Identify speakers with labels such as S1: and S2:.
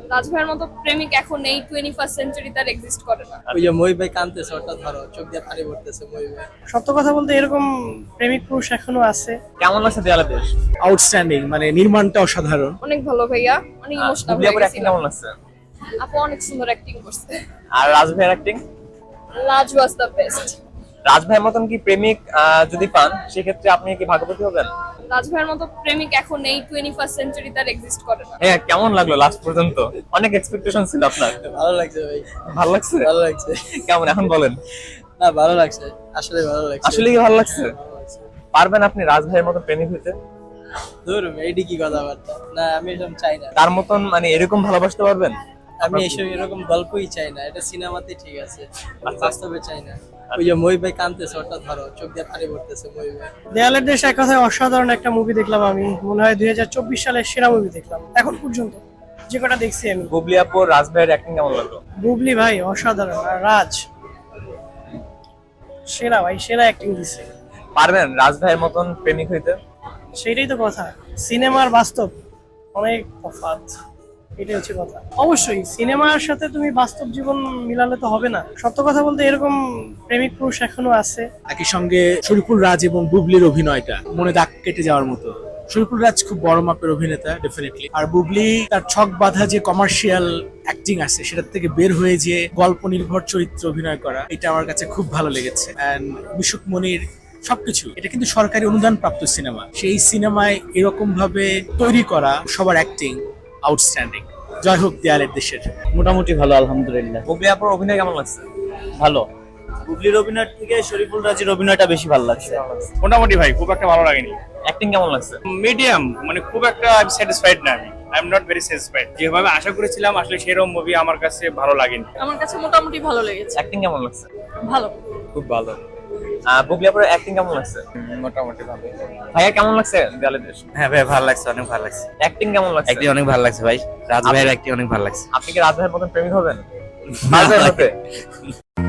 S1: রাজভাইয়ের মতো প্রেমিক এখন এই 21st সেঞ্চুরি তার এক্সিস্ট করে না।
S2: ওই যে মই ভাই কাঁদতেছে, ওটা ধরো, চোখ দিয়ে পানি পড়তেছে মই ভাই।
S3: সত্য কথা বলতে এরকম প্রেমিক পুরুষ এখনো আছে।
S4: কেমন লাগছে দেয়ালে দেশ?
S5: আউটস্ট্যান্ডিং, মানে নির্মাণটা অসাধারণ।
S1: অনেক ভালো ভাইয়া, অনেক ইমোশনাল
S4: বুবলি
S1: হয়ে
S4: আপুর অ্যাক্টিং
S1: গেছিলাম।
S4: কেমন লাগছে?
S1: আপু অনেক সুন্দর অ্যাক্টিং করছে।
S4: আর রাজ ভাইয়ের acting?
S1: Raj was the best.
S4: Raj ভাইয়ের মতন কি প্রেমিক যদি পান সেক্ষেত্রে আপনি কি ভাগ্যবতী হবেন?
S1: রাজভাইয়ের মতো প্রেমিক এখন এই 21st সেঞ্চুরি তার এক্সিস্ট করে না।
S4: হ্যাঁ, কেমন লাগলো লাস্ট পর্যন্ত? অনেক এক্সপেকটেশন ছিল আপনার।
S2: ভালো লাগছে ভাই,
S4: ভালো লাগছে?
S2: ভালো লাগছে।
S4: কেমন এখন বলেন?
S2: না ভালো লাগছে, আসলে ভালো লাগছে।
S4: আসলে কি ভালো লাগছে?
S2: ভালো লাগছে।
S4: পারবেন আপনি রাজ ভাইয়ের মতো প্রেমিক হইতে?
S2: ধুর, এইটি কি কথাবার্তা, না আমি এরকম চাই না।
S4: তার মতন মানে এরকম ভালোবাসতে পারবেন?
S2: আমি এসব এরকম গল্পই চাই না, এটা সিনেমাতে ঠিক আছে, বাস্তবে চাই না। ওই যে মই ভাই কাঁদতেছে, ওটা ধরো, চোখ দিয়ে পানি পড়তেছে মই ভাই।
S3: দেয়ালের দেশ এক কথায় অসাধারণ একটা মুভি দেখলাম আমি, মনে হয় 2024 সালের সেরা মুভি দেখলাম এখন পর্যন্ত যে কটা দেখছি আমি।
S4: বুবলি আপুর রাজ ভাইয়ের অ্যাক্টিং কেমন লাগলো?
S3: বুবলি ভাই অসাধারণ, আর রাজ সেরা ভাই, সেরা অ্যাক্টিং দিছে।
S4: পারবেন রাজ ভাইয়ের মতন প্রেমিক হইতে?
S3: সেটাই তো কথা, সিনেমার বাস্তব অনেক তফাৎ, এটাই হচ্ছে কথা। অবশ্যই সিনেমার সাথে তুমি বাস্তব জীবন মিলালে তো হবে না। সত্য কথা বলতে এরকম প্রেমিক পুরুষ এখনো আছে।
S5: একই সঙ্গে শরীফুল রাজ এবং বুবলির অভিনয়টা মনে দাগ কেটে যাওয়ার মতো। শরীফুল রাজ খুব বড় মাপের অভিনেতা ডেফিনেটলি, আর বুবলি তার ছক বাঁধা যে কমার্শিয়াল অ্যাক্টিং আছে সেটার থেকে বের হয়ে যে গল্প নির্ভর চরিত্রে অভিনয় করা, এটা আমার কাছে খুব ভালো লেগেছে। এন্ড মিশুক মনির সবকিছু, এটা কিন্তু সরকারি অনুদান প্রাপ্ত সিনেমা, সেই সিনেমায় এরকম ভাবে তৈরি করা সবার অ্যাক্টিং আউটস্ট্যান্ডিং। জয় হোক দেয়ালের দেশের।
S6: মোটামুটি ভালো, আলহামদুলিল্লাহ।
S4: বুবলি আপুর অভিনয় কেমন লাগছে?
S6: ভালো। বুবলির অভিনয় থেকে শরীফুল রাজের অভিনয়টা বেশি ভালো লাগছে।
S7: মোটামুটি ভাই, খুব একটা ভালো লাগেনি।
S4: অ্যাক্টিং কেমন লাগছে?
S7: মিডিয়াম, মানে খুব একটা স্যাটিসফাইড না আমি। I am not very satisfied. যেভাবে আশা করেছিলাম আসলে সেরকম মুভি আমার কাছে ভালো লাগেনি।
S1: আমার কাছে মোটামুটি ভালো লেগেছে।
S4: অ্যাক্টিং কেমন লাগছে?
S1: ভালো।
S4: খুব ভালো। বুবলি আপুর অ্যাক্টিং কেমন লাগছে?
S6: মোটামুটি ভালো।
S4: ভাইয়া কেমন লাগছে দেয়ালে দেশ?
S6: হ্যাঁ ভাই, ভালো লাগছে, অনেক ভালো লাগছে।
S4: অ্যাক্টিং কেমন লাগছে?
S6: অ্যাক্টিং অনেক ভালো লাগছে ভাই, রাজ ভাইয়ের অ্যাক্টিং অনেক ভালো লাগছে।
S4: আপনি কি রাজ ভাইয়ের মতন প্রেমিক হবেন? পারবেন হতে?